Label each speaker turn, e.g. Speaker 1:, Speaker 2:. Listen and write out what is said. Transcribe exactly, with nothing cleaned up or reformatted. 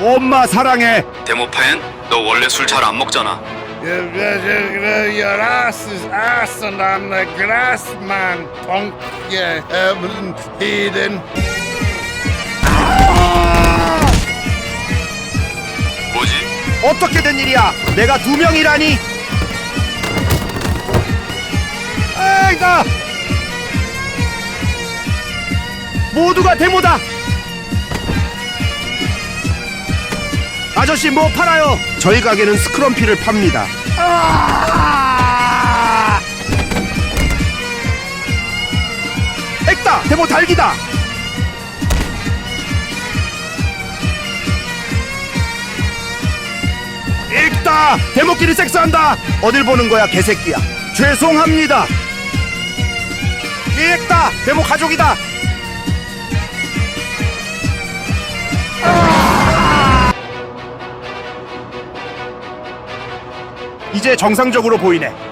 Speaker 1: 엄마 사랑해.
Speaker 2: 데모팬, 너 원래 술 잘 안 먹잖아.
Speaker 3: Your ass is ass and I'm the grass man, punk, you heaven heathen.
Speaker 2: 뭐지?
Speaker 1: 어떻게 된 일이야? 내가 두 명이라니. 아이가 모두가 데모다. 아저씨 뭐 팔아요? 저희 가게는 스크럼피를 팝니다. 아! 액다! 데모 달기다! 액다! 데모끼리 섹스한다! 어딜 보는 거야 개새끼야. 죄송합니다. 액다! 데모 가족이다! 이제 정상적으로 보이네.